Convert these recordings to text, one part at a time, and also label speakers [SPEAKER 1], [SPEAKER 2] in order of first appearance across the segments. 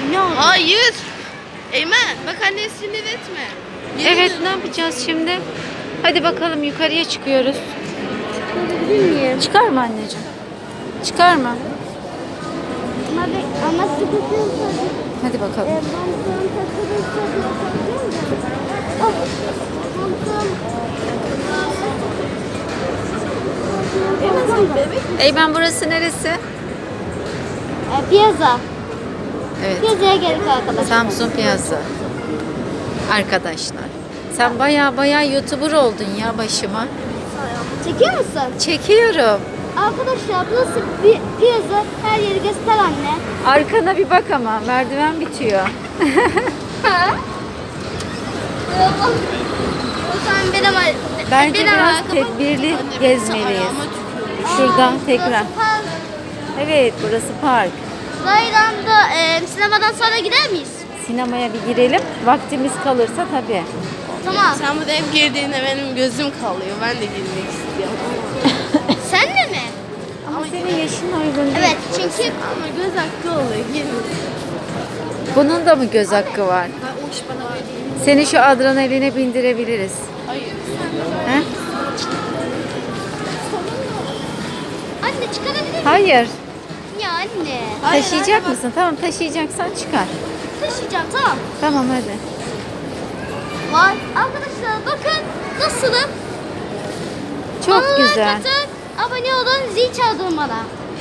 [SPEAKER 1] Ne oldu?
[SPEAKER 2] Hayır. Eymen bak anne sinir etme.
[SPEAKER 1] Evet, ne yapacağız şimdi? Hadi bakalım, yukarıya çıkıyoruz. Çıkar mı anneciğim? Çıkar mı?
[SPEAKER 3] Ama sıkıntı.
[SPEAKER 1] Hadi bakalım. Eymen, burası neresi?
[SPEAKER 3] Piyaza.
[SPEAKER 1] Evet.
[SPEAKER 3] Piyazaya geldik arkadaşlar.
[SPEAKER 1] Samsun Piyazza. Arkadaşlar. Sen baya YouTuber oldun ya başıma.
[SPEAKER 3] Çekiyor musun?
[SPEAKER 1] Çekiyorum.
[SPEAKER 3] Arkadaşlar burası bir piyaza. Her yeri göster anne.
[SPEAKER 1] Arkana bir bak ama merdiven bitiyor.
[SPEAKER 3] O zaman
[SPEAKER 1] Bence
[SPEAKER 3] benim
[SPEAKER 1] biraz
[SPEAKER 3] arkamı-
[SPEAKER 1] tedbirli gezmeliyiz. Şuradan tekrar.
[SPEAKER 3] Burası park.
[SPEAKER 1] Evet, burası park.
[SPEAKER 3] Raylan'da sinemadan sonra gider miyiz?
[SPEAKER 1] Sinemaya bir girelim. Vaktimiz kalırsa tabii.
[SPEAKER 3] Tamam.
[SPEAKER 2] Sen burada hep girdiğinde benim gözüm kalıyor. Ben de girmek istiyorum.
[SPEAKER 3] Sen de mi?
[SPEAKER 1] Ama senin yaşın uygun değil.
[SPEAKER 3] Evet çünkü
[SPEAKER 2] Ama göz hakkı oluyor. Girmek.
[SPEAKER 1] Bunun da mı göz hakkı var? Seni şu adrenaline bindirebiliriz.
[SPEAKER 2] Hayır.
[SPEAKER 1] He?
[SPEAKER 3] anne çıkarabilir miyim?
[SPEAKER 1] Hayır.
[SPEAKER 3] Ya anne.
[SPEAKER 1] Taşıyacak mısın? Tamam, taşıyacaksan çıkar.
[SPEAKER 3] Taşıyacağım tamam.
[SPEAKER 1] Tamam, hadi.
[SPEAKER 3] Vay arkadaşlar bakın nasılım?
[SPEAKER 1] Çok
[SPEAKER 3] Bana
[SPEAKER 1] güzel.
[SPEAKER 3] like atın, abone olun, zil çaldırın bana.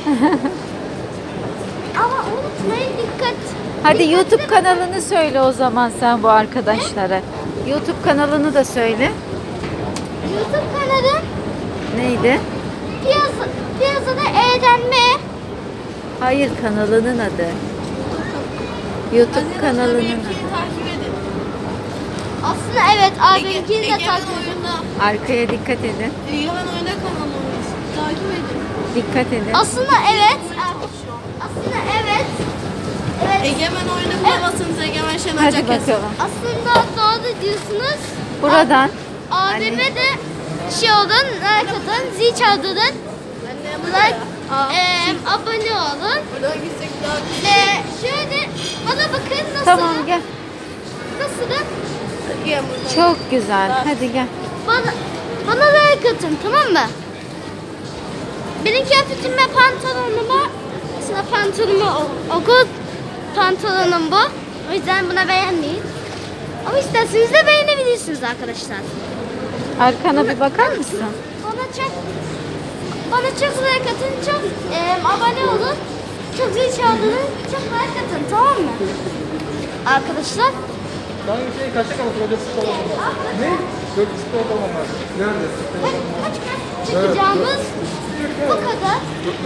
[SPEAKER 3] Ama unutmayın dikkat.
[SPEAKER 1] Hadi
[SPEAKER 3] Dikkatli
[SPEAKER 1] YouTube
[SPEAKER 3] bakın.
[SPEAKER 1] kanalını söyle o zaman sen bu arkadaşlara. YouTube kanalını da söyle.
[SPEAKER 3] YouTube kanalı
[SPEAKER 1] Neydi?
[SPEAKER 3] piyasada eğlenme.
[SPEAKER 1] Hayır, kanalının adı. YouTube kanalının adı.
[SPEAKER 2] Takip edin.
[SPEAKER 3] Aslında evet abimkini de takip edin.
[SPEAKER 2] Oyunda.
[SPEAKER 1] Arkaya dikkat edin.
[SPEAKER 2] Egemen Oyunda kanalımız. Takip edin.
[SPEAKER 1] Dikkat edin.
[SPEAKER 3] Aslında evet. Aslında evet. Evet.
[SPEAKER 2] Egemen Oyunda bulamazsınız. Egemen Şener
[SPEAKER 1] Hadi
[SPEAKER 2] Caket.
[SPEAKER 1] bakalım.
[SPEAKER 3] Aslında doğru diyorsunuz.
[SPEAKER 1] Buradan.
[SPEAKER 3] Abime de şey olun, like atın, zil çaldırın. Like, abone olun.
[SPEAKER 2] Buradan gitsek daha güzel.
[SPEAKER 3] Ve şöyle bana bakın nasıl.
[SPEAKER 1] Tamam, gel.
[SPEAKER 3] Nasıl?
[SPEAKER 2] Gel buradan.
[SPEAKER 1] Çok güzel. Hadi gel.
[SPEAKER 3] Bana like atın tamam mı? Benim kıyafetim ve pantolonuma mesela pantolonuma okul pantolonum bu. O yüzden buna beğenmeyin. Ama isterseniz de beğenebilirsiniz arkadaşlar.
[SPEAKER 1] Arkana bir bakar mısın?
[SPEAKER 3] Bana çok like atın, çok abone olun, çok zil çaldırın, çok like atın tamam mı? Arkadaşlar.
[SPEAKER 4] Ben şey kaçta kaldı? Burada spor olmaz. Ne? 4 spor olmaz. Nerede?
[SPEAKER 3] Kaç çıkacağımız bu kadar.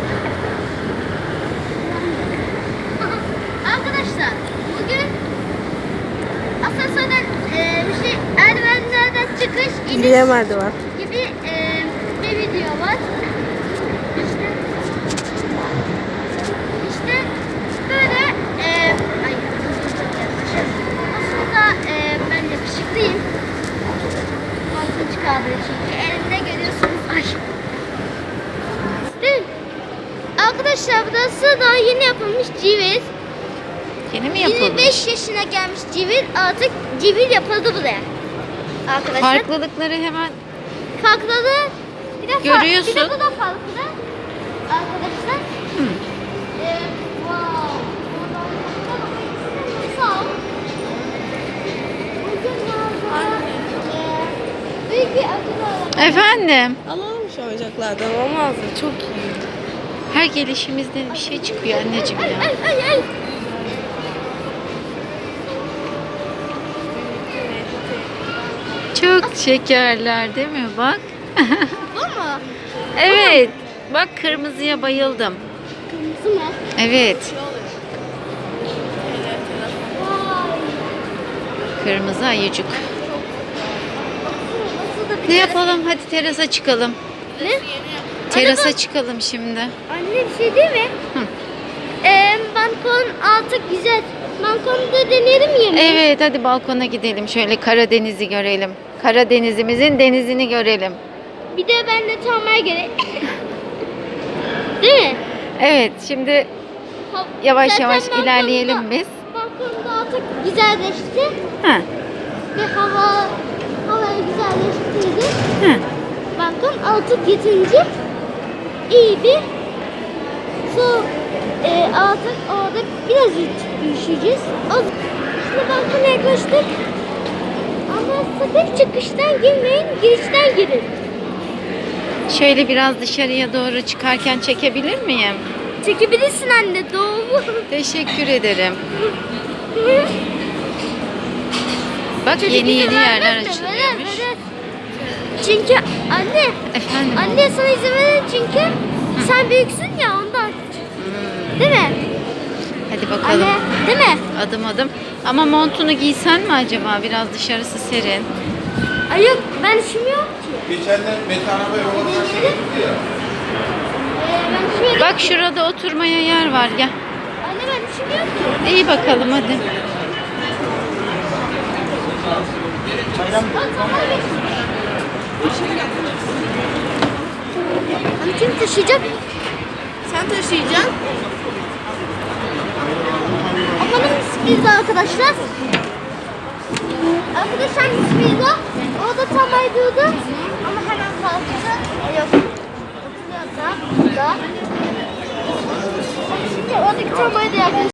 [SPEAKER 3] Arkadaşlar bugün asansörden merdivenlerden çıkış iniş
[SPEAKER 2] Diyemedi
[SPEAKER 3] gibi bir video var. İşte böyle ay aslında ben yakışıklıyım. Altın çıkardığı çünkü elimde görüyorsunuz. Ay. Değil mi? Arkadaşlar burası daha yeni yapılmış civil.
[SPEAKER 1] Yeni mi yapılmış?
[SPEAKER 3] 25 yaşına gelmiş civil artık civil yapıldı buraya. Arkadaşlar.
[SPEAKER 1] Farklılıkları hemen
[SPEAKER 3] Farkları bir de
[SPEAKER 1] Görüyorsun.
[SPEAKER 3] Bir de bu da farklı. Arkadaşlar. Wow. Sağ ol. Büyük bir acı var.
[SPEAKER 1] Efendim,
[SPEAKER 2] Alalım şu oyuncaklardan olmaz mı? Çok iyi.
[SPEAKER 1] her gelişimizde bir şey çıkıyor anneciğim ya.
[SPEAKER 3] Ay.
[SPEAKER 1] Çok şekerler değil mi? Bak.
[SPEAKER 3] Bu mu?
[SPEAKER 1] Evet. Bak, kırmızıya bayıldım.
[SPEAKER 3] Kırmızı mı?
[SPEAKER 1] Evet.
[SPEAKER 3] Vay.
[SPEAKER 1] Kırmızı ayıcık.
[SPEAKER 3] Nasıl da bir
[SPEAKER 1] Ne yapalım? Hadi terasa çıkalım.
[SPEAKER 3] Ne?
[SPEAKER 1] Terasa çıkalım şimdi.
[SPEAKER 3] Anne bir şey değil mi?
[SPEAKER 1] Hı.
[SPEAKER 3] Balkon altı güzel. Balkonda deneyelim yemeği.
[SPEAKER 1] Evet, hadi balkona gidelim. Şöyle Karadeniz'i görelim. Karadenizimizin denizini görelim.
[SPEAKER 3] Bir de benle tamaya gerek. Değil mi?
[SPEAKER 1] Evet, şimdi
[SPEAKER 3] Hop,
[SPEAKER 1] yavaş
[SPEAKER 3] zaten
[SPEAKER 1] yavaş
[SPEAKER 3] balkonda-
[SPEAKER 1] ilerleyelim biz.
[SPEAKER 3] Balkonda artık güzelleşti.
[SPEAKER 1] Ha.
[SPEAKER 3] Ve havayı güzelleştirdi.
[SPEAKER 1] Ha.
[SPEAKER 3] Bakın artık yetince iyi bir su artık orada biraz üşüyeceğiz. Şimdi balkona yaklaştık. Ama sakın çıkıştan girmeyin, girişten girin.
[SPEAKER 1] Şöyle biraz dışarıya doğru çıkarken çekebilir miyim?
[SPEAKER 3] Çekebilirsin anne, doğru.
[SPEAKER 1] Teşekkür ederim. Bak yeni yerler açılıyormuş.
[SPEAKER 3] Çünkü anne,
[SPEAKER 1] Efendim?
[SPEAKER 3] anne sana izin verir çünkü sen büyüksün ya ondan. Değil mi?
[SPEAKER 1] Hadi bakalım.
[SPEAKER 3] Anne, değil mi?
[SPEAKER 1] Adım adım. Ama montunu giysen mi acaba? Biraz dışarısı serin.
[SPEAKER 3] Ay yok, ben üşümüyorum ki.
[SPEAKER 4] Geçenler Mete araba yola karşı gitti ya.
[SPEAKER 3] Ben üşümüyorum.
[SPEAKER 1] Bak şurada oturmaya yer var. Gel.
[SPEAKER 3] Anne ben üşümüyorum ki.
[SPEAKER 1] İyi bakalım hadi.
[SPEAKER 3] Hani kim taşıyacak?
[SPEAKER 2] Sen taşıyacaksın.
[SPEAKER 3] Bakalım sürpriz arkadaşlar. Arkadaşlar sürpriz o. O da tam ayrıldı. Ama hemen kalktı. Yok. Oturuyor da. Burada. Şimdi oradaki tam ayrıldı arkadaşlar.